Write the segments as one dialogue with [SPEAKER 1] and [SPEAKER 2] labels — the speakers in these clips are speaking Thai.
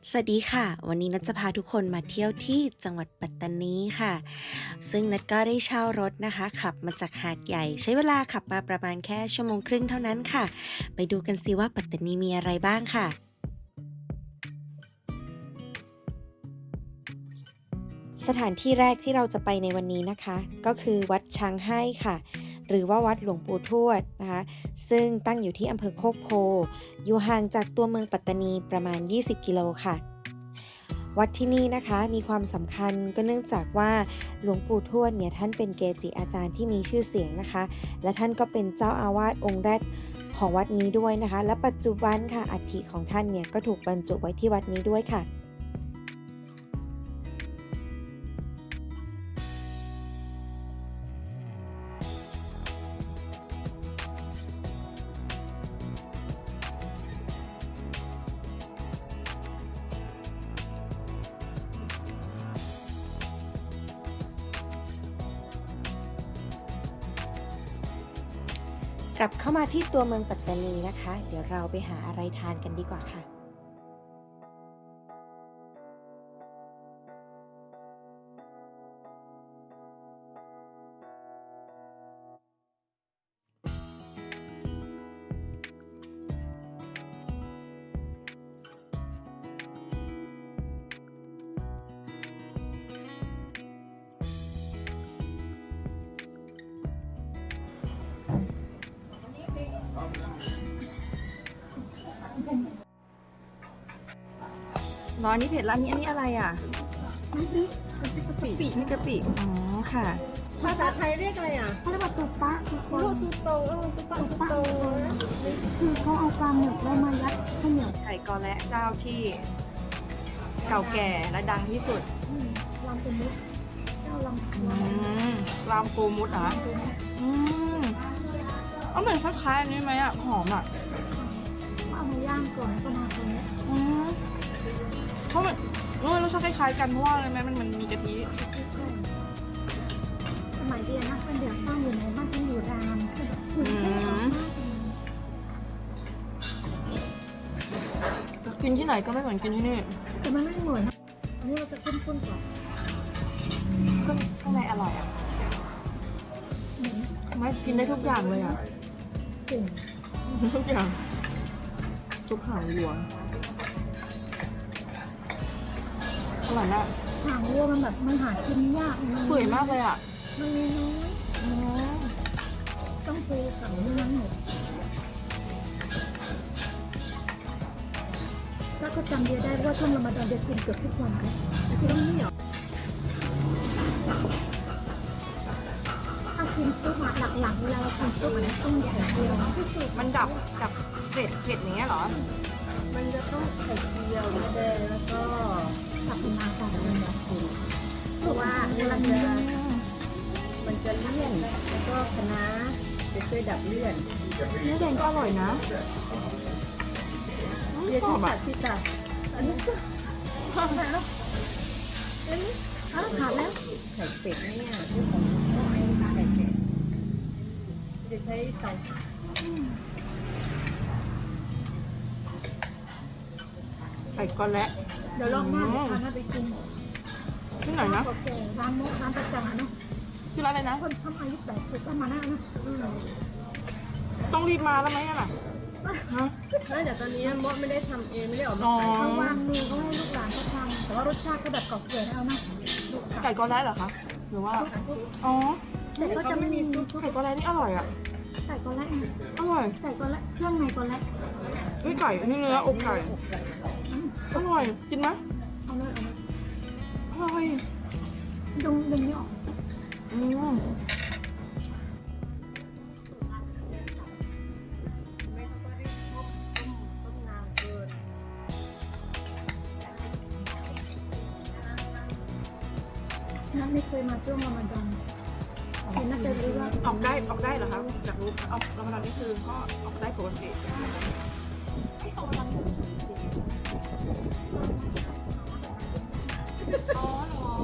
[SPEAKER 1] สวัสดีค่ะวันนี้นัทจะพาทุกคนมาเที่ยวที่จังหวัดปัตตานีค่ะซึ่งนัทก็ได้เช่ารถนะคะขับมาจากหาดใหญ่ใช้เวลาขับมาประมาณแค่ชั่วโมงครึ่งเท่านั้นค่ะไปดูกันสิว่าปัตตานีมีอะไรบ้างค่ะสถานที่แรกที่เราจะไปในวันนี้นะคะก็คือวัดช้างให้ค่ะหรือว่าวัดหลวงปู่ทวดนะคะซึ่งตั้งอยู่ที่อำเภอโคกโพอยู่ห่างจากตัวเมืองปัตตานีประมาณ20 กิโลค่ะวัดที่นี่นะคะมีความสำคัญก็เนื่องจากว่าหลวงปู่ทวดเนี่ยท่านเป็นเกจิอาจารย์ที่มีชื่อเสียงนะคะและท่านก็เป็นเจ้าอาวาสองค์แรกของวัดนี้ด้วยนะคะและปัจจุบันค่ะอัฐิของท่านเนี่ยก็ถูกบรรจุไว้ที่วัดนี้ด้วยค่ะกลับเข้ามาที่ตัวเมืองปัตตานีนะคะเดี๋ยวเราไปหาอะไรทานกันดีกว่าค่ะ
[SPEAKER 2] ร้อนนี่เผ็ดแล้วอันนี้อะไรอ่ะกะปินี่กะปิอ๋อค่ะ
[SPEAKER 3] ภาษาไทยเรียกอะไรอ่ะ
[SPEAKER 4] เขาเรียกว่าตุ๊ปะทุกคน
[SPEAKER 3] ลูกชูโตตุ๊ปะชูโต
[SPEAKER 4] คือเขาเอาปลาหมึกแล้วมายัดข้าวเหนียว
[SPEAKER 2] ไก่กอและเจ้าที่เก่าแก่และดังที่สุด
[SPEAKER 4] ลำเป็นมุกเจ้าลำ
[SPEAKER 2] รามปูมุดเหรออืมเอาเหมือนคล้ายๆอันนี้ไหมอ่ะหอมอ่ะ
[SPEAKER 4] เอามาย่างก่อนก็มาตรงนี้
[SPEAKER 2] เพราะมันรสชาติคล้ายๆกันเพราะว่าอะไรไหมมันมีกะทิ
[SPEAKER 4] สมัยเรียนนะเป็นเด็กสร้างอยู่ในบ้านที่อยู่รามคือแบบคุณเท่มาก
[SPEAKER 2] กินที่ไหนก็ไม่เหมือนกินที่นี่
[SPEAKER 4] แต่มันไม่เหมือนอันนี้เราจะข้นๆก่อน
[SPEAKER 2] ข้างในอร่อยอ่ะไม่กินได้ทุกอย่างเลยอ่ะ
[SPEAKER 4] กลิ่น
[SPEAKER 2] ทุกอย่างทุกหางวัวอร่อยมาก
[SPEAKER 4] หางวัวมันแบบมันหากินยาก
[SPEAKER 2] เปื่อยมากเลยอ่ะ
[SPEAKER 4] มันมีน้อยต้องปูกับเนื้อหมดแล้วก็จำเดียได้ว่าช่วงรอมฎอนเดียกินเกือบทุกวันเลยคือต้องนี่หรอถ้ากินซุปหลักๆเวลาเรากินซุปมันต้องไข่เจียวที่สุด
[SPEAKER 2] มันดับกับเผ็ดอย่างเงี้ยเหรอ
[SPEAKER 3] มันจะต้องไข่เจียวมะแดงแล้วก็
[SPEAKER 4] ผักมาของมันแบบเพราะว่าเวลา
[SPEAKER 3] มันจะเลี่ยนแล้วก็คะน้าจะช่วยดับเลี่ยน
[SPEAKER 2] เนื้อแดงก็อร่อยนะ
[SPEAKER 3] เรียกที่ตัดที่ตัดอันนี้ก็
[SPEAKER 4] ขาดแล้วอันนี้ขาดแล้ว
[SPEAKER 3] ไข่เป็ดเนี่ยที่ของไข่เป็ดจะใช้เตา
[SPEAKER 2] ไก่ก้อนและ
[SPEAKER 4] เดี๋ยวลองหน้าเดี๋ยวพาไปกิน
[SPEAKER 2] ที่ไหนนะ
[SPEAKER 4] ร้านมุกร้านประจำนะ
[SPEAKER 2] ชื่อร้านอะไรนะ
[SPEAKER 4] คนทำอายุ80ก็มาหน้านะ
[SPEAKER 2] ต้องรีบมาแล้วไหมล่ะ
[SPEAKER 3] ฮะแต่ตอนนี้มดไม่ได้ทำเองไม่ได้ออกมาขาย
[SPEAKER 4] เขาวางมือเขาให้ลูกหลานเขาทำแต่ว่ารสชาติก็แบบเก่าแก่เอานะ
[SPEAKER 2] ไก่ก้อนและเหรอคะหรือว่าอ๋อ
[SPEAKER 4] แต่ก็จะไม่มี
[SPEAKER 2] ไก่ก้อนและนี่อร่อยอ่ะ
[SPEAKER 4] ไก่ก้อนและ
[SPEAKER 2] อร่อย
[SPEAKER 4] ไก่ก้อนและเครื่องในก้อนและ
[SPEAKER 2] ไก่นี่เนื้ออกไก่อร่อยกินไหม
[SPEAKER 4] เอาเลย
[SPEAKER 2] อร่อย
[SPEAKER 4] ดึงไม่ออกนั่นไม่เคยมาช่วงรอมฎอนเห็นน่าจะรู้ว่า
[SPEAKER 2] ออกได้เหรอคะอยากรู้ออกรอมฎอนนี่คือก็ออกได้ปกติอ๋อเหรอ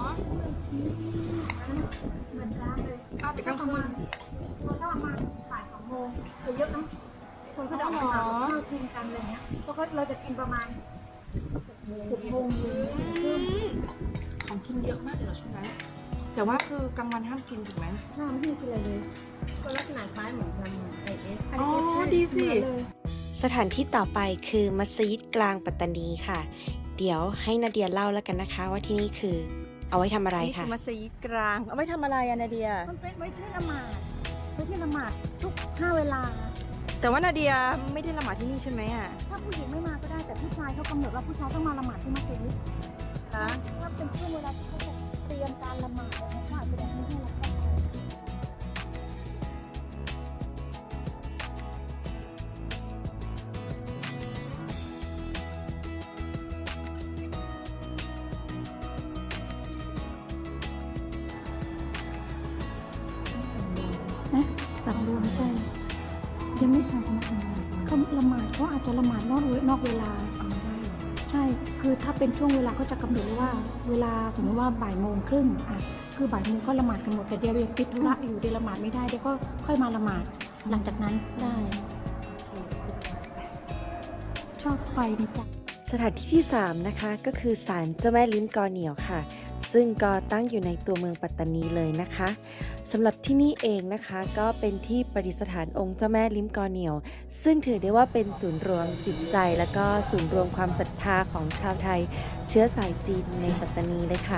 [SPEAKER 4] มันร้านเลย
[SPEAKER 2] แต่กลางคืน
[SPEAKER 4] เราถ้ามาบ่าย2 โมงเยอะนะคนเขาจะออกมาข้าวกินกันอะไรเงี้ยเพราะเราจะกินประมาณ
[SPEAKER 2] ของกินเยอะมากเลยเหรอช่วงนั้นแต่ว่าคือกลางวันห้ามกินถูกไหม
[SPEAKER 4] น้ำที่คืออะไรเลย
[SPEAKER 3] ก็ลักษณะคล้ายเหมือนกันไอเอส
[SPEAKER 2] อ๋อดีสิ
[SPEAKER 1] สถานที่ต่อไปคือมัสยิดกลางปัตตานีค่ะ เดี๋ยวให้นาเดียเล่าแล้วกันนะคะ ว่าที่นี่คือเอาไว้ทำอะไร
[SPEAKER 2] นี่คื
[SPEAKER 1] ค่ะ
[SPEAKER 2] อมัสยิดกลางเอาไว้ทำอะไรอะนาเดีย
[SPEAKER 4] มันเป็นไว้ที่ละหมาดไว้ที่ละหมาดทุก5 เวลา
[SPEAKER 2] แต่ว่านาเดียไม่ได้ละหมาดที่นี่ใช่ไหมอ่ะ
[SPEAKER 4] ถ้าผู้หญิงไม่มาก็ได้แต่ผู้ชายเขากำหนดว่าผู้ชายต้องมาละหมาดที่มัสยิด
[SPEAKER 2] คะ
[SPEAKER 4] ถ้าเป็นช่วงเวลาที่เขาจะเตรียมการละหมาดอะไรเขาอาจจะแบบไม่ให้เราเข้าไป สั่งรวมใช่ยังไม่สั่งนะเขาละหมาดเขาอาจจะละหมาดนอกเวลาใช่ คือถ้าเป็นช่วงเวลาเขาจะกำหนดเลยว่า เวลาสมมติว่าบ่ายโมงครึ่งอ่ะคือบ่ายโมงก็ละหมาดกันหมดแต่เดี๋ยวติดธุระอยู่เดี๋ยวละหมาดไม่ได้เดี๋ยวก็ค่อยมาละหมาดหลังจากนั้นได้ ชอบไฟนะจ๊ะ
[SPEAKER 1] สถานที่ที่ 3 นะคะก็คือศาลเจ้าแม่ลิ้มกอเหนียวค่ะ ซึ่งก็ตั้งอยู่ในตัวเมืองปัตตานีเลยนะคะสำหรับที่นี่เองนะคะก็เป็นที่ประดิษฐานองค์เจ้าแม่ลิ้มกอเหนียว ซึ่งถือได้ว่าเป็นศูนย์รวมจิตใจ และก็ศูนย์รวมความศรัทธาของชาวไทย เชื้อสายจีนในปัตตานีเลยค่ะ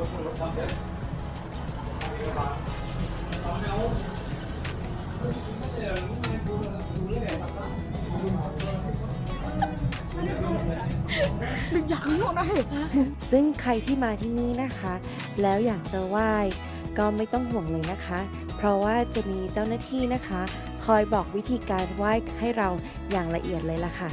[SPEAKER 1] ซึ่งใครที่มาที่นี่นะคะ แล้วอยากจะไหว้ก็ไม่ต้องห่วงเลยนะคะ เพราะว่าจะมีเจ้าหน้าที่นะคะ คอยบอกวิธีการไหว้ให้เราอย่างละเอียดเลยล่ะค่ะ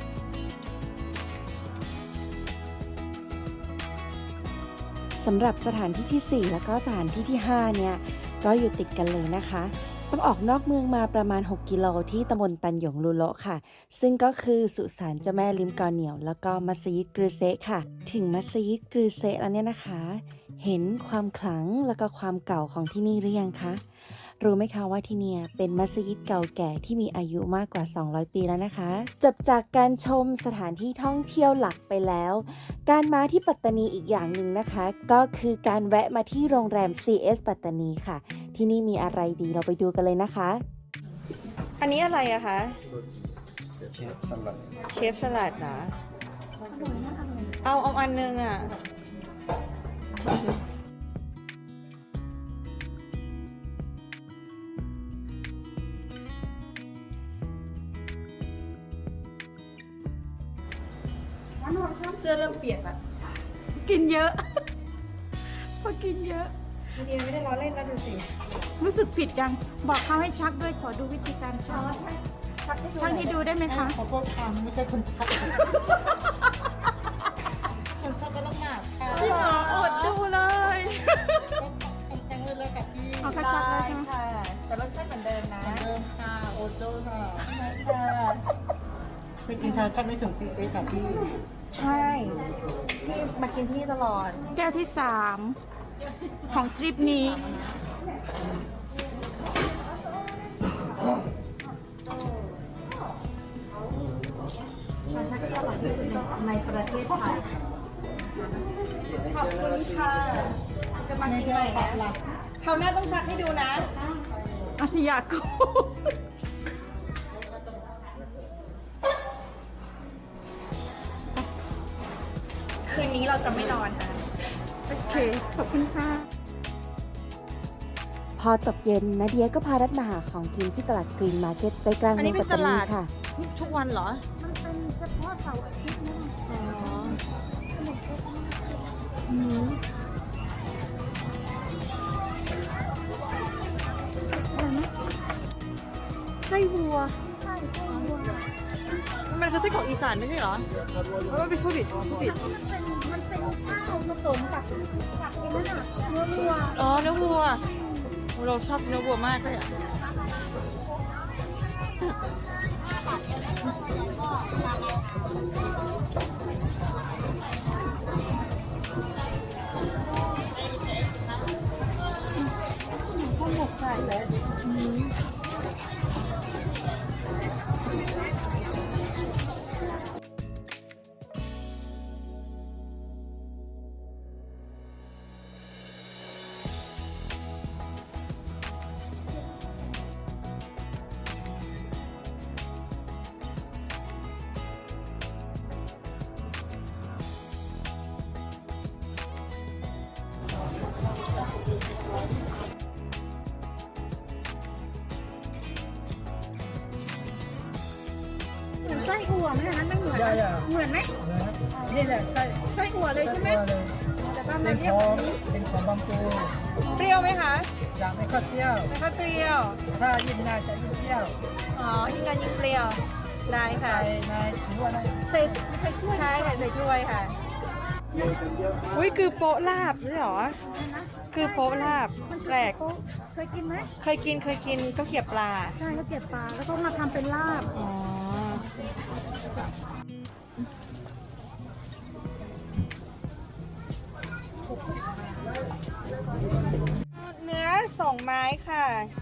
[SPEAKER 1] สำหรับสถานที่ที่ 4 แล้วก็สถานที่ที่ 5 เนี่ย ก็อยู่ติดกันเลยนะคะ ต้องออกนอกเมืองมาประมาณ 6 กิโลที่ตำบลตันหยงลูโละค่ะ ซึ่งก็คือสุสานเจ้าแม่ลิมกอเหนียว แล้วก็มัสยิดกรือเซะค่ะ ถึงมัสยิดกรือเซะแล้วเนี่ยนะคะ เห็นความขลังแล้วก็ความเก่าของที่นี่หรือยังคะ รู้ไหมคะว่าที่เนี่ยเป็นมัสยิดเก่าแก่ที่มีอายุมากกว่า 200 ปีแล้วนะคะ จบจากการชมสถานที่ท่องเที่ยวหลักไปแล้ว การมาที่ปัตตานีอีกอย่างหนึ่งนะคะ ก็คือการแวะมาที่โรงแรม CS ปัตตานีค่ะ ที่นี่มีอะไรดีเราไปดูกันเลยนะคะ
[SPEAKER 2] อันนี้อะไรอะคะ
[SPEAKER 5] เชฟสลัด
[SPEAKER 2] เชฟสลัดนะ
[SPEAKER 4] อร่อยนะอร่อย
[SPEAKER 2] เอาอันนึงอะ
[SPEAKER 3] เสื้อเริ่มเปียกละ
[SPEAKER 4] กินเยอะ พอกินเยอะ
[SPEAKER 3] เดียไม่ได้ล้อเล่นนะดูสิ
[SPEAKER 4] รู้สึกผิดจัง บอกเขาให้ชักด้วยขอดูวิธีการชักชักให้ดูได้ไหมคะ
[SPEAKER 3] ขอโทษค่ะไม่ใช่คนชักคนชักก็ต้องหนักค่ะ
[SPEAKER 4] จริงเหรออดดูเลย
[SPEAKER 3] แข็งเลยกับพี่
[SPEAKER 4] เอากระชักเลยใช่ไหม
[SPEAKER 2] ค่ะ แต่รสชาติเหมือนเดิมนะ
[SPEAKER 3] เดิมค่ะโอโจ้ค่ะ
[SPEAKER 2] ค่ะ
[SPEAKER 3] ไม่กินชาชักไม่ถึงซีเอค่ะพี่
[SPEAKER 2] ใช่พี่มากินที่นี่ตลอด
[SPEAKER 4] แก้วที่ 3 ของทริปนี้
[SPEAKER 3] ชาชักที่อร่อยที่สุดในประเทศไทย
[SPEAKER 2] ขอบคุณค่ะจะมากินใหม่นะคราวหน้าต้องชักให้ดูนะ
[SPEAKER 4] อาชิยากุ
[SPEAKER 2] คืนนี้เราจะไม่นอนค่ะ
[SPEAKER 4] โอเค ขอบคุณค่ะ
[SPEAKER 1] พอตกเย็นนาเดียก็พารัดมาหาของกินที่ตลาดกรีนมาร์เก็ตใจกลาง
[SPEAKER 2] อัน
[SPEAKER 1] เมื
[SPEAKER 2] นี้
[SPEAKER 1] อง
[SPEAKER 2] เป็
[SPEAKER 1] ปั
[SPEAKER 2] น
[SPEAKER 1] ตตานี
[SPEAKER 2] ตลาด
[SPEAKER 1] ค่ะ
[SPEAKER 2] ทุกวันเหรอ
[SPEAKER 4] มันเป็นเฉพาะเสาร์อาทิตย์นะ
[SPEAKER 2] อ๋อ
[SPEAKER 4] อืมอะไรนะ
[SPEAKER 2] ไส้วัว
[SPEAKER 4] ใช่ใช่วัว
[SPEAKER 2] มันคือไส้ของอีสานไม่ใช่เหรอมันเป็นผู้ผิดผู้ผิด
[SPEAKER 4] มันเป็นข้าวผสมกับไอ้นั่นน่ะเนื้อวัว
[SPEAKER 2] อ๋อเนื้อวัว เราชอบเนื้อวัวมากเลยอ่ะ
[SPEAKER 4] ข้าวหมกไก่เลยเหมือนไส้อั่วไหมอันนั้นไม่เหมือนนะเหมือนไหม
[SPEAKER 3] นี่แหละไส้
[SPEAKER 4] ไส้อั่วเลยใช่ไหม
[SPEAKER 3] ตัวเลย
[SPEAKER 4] แต่บ้าน
[SPEAKER 3] เป็
[SPEAKER 4] เรา
[SPEAKER 3] น
[SPEAKER 4] เรีย
[SPEAKER 3] ข
[SPEAKER 4] ก
[SPEAKER 3] อ
[SPEAKER 4] แบ
[SPEAKER 3] ง
[SPEAKER 4] บนี้
[SPEAKER 3] เป็นของบางปู
[SPEAKER 2] เปรี้ยวไหมคะ
[SPEAKER 3] อยากไม่ค่อยเปรี้ยว
[SPEAKER 2] ไม่ค่อยเปรี้ยว
[SPEAKER 3] ถ้ายิ่งนานจะยิ่งเปรี้ยว
[SPEAKER 2] อ๋อยิ่งกันยิ่งเปรี้ยว ได้ค่ะ
[SPEAKER 3] ใส่ในถือว่าใน
[SPEAKER 2] ใส่ถ้วยใช่ค่ะใส่ถ้วยค่ะ อุ้ยคือโป๊ะลาบด้วยเหรอ คือโป๊ะลาบแปลก
[SPEAKER 4] เคยกินไหม
[SPEAKER 2] เคยกินข้าวเกรี๊ยวปลา
[SPEAKER 4] ใช่เขาเก็บปลาแล้วก็มาทำเป็นลาบ
[SPEAKER 2] อ๋อ เนื้อ2 ไม้ค่ะ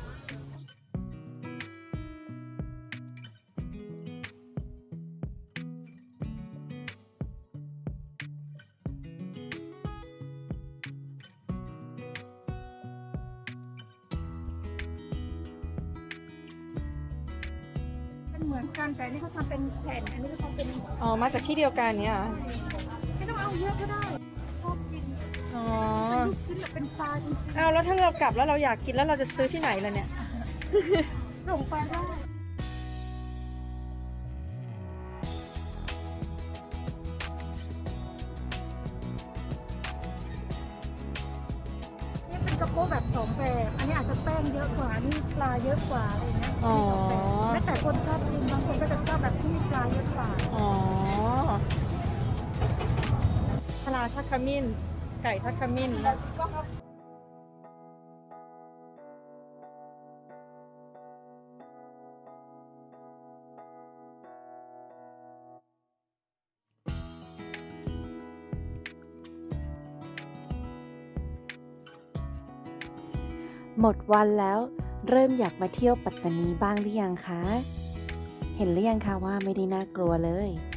[SPEAKER 4] เป็นเหมือนกันแต่อันนี้เขาทำเป็นแผ่นอันนี้เขาทำเป็น
[SPEAKER 2] อ๋อ มาจากที่เดียวกันเนี่ยเหรอ
[SPEAKER 4] ไม่ต้องเอาเยอะก็ได้ชอบกิน
[SPEAKER 2] อ๋อ
[SPEAKER 4] ลูกชิ้นแบบเป็นปลาจริง
[SPEAKER 2] เอาแล้วถ้าเรากลับแล้วเราอยากกินแล้วเราจะซื้อที่ไหนล่ะเนี่ย
[SPEAKER 4] ๆส่งไปได้นี่เป็นกระโปงแบบสองแบบอันนี้อาจจะแป้งเยอะกว่าอันนี่ปลาเยอะกว่าอะไรอย่างเงี้ย
[SPEAKER 2] อ๋อ
[SPEAKER 4] แล้วแต่คนชอบกินบางคนก็จะชอบแบบที่มีปลาเยอะกว่า
[SPEAKER 2] อ๋อปลาทักขมิ้น ไก่ทักขมิ้นนะ
[SPEAKER 1] หมดวันแล้วเริ่มอยากมาเที่ยวปัตตานีบ้างหรือยังคะ เห็นหรือยังคะว่าไม่ได้น่ากลัวเลย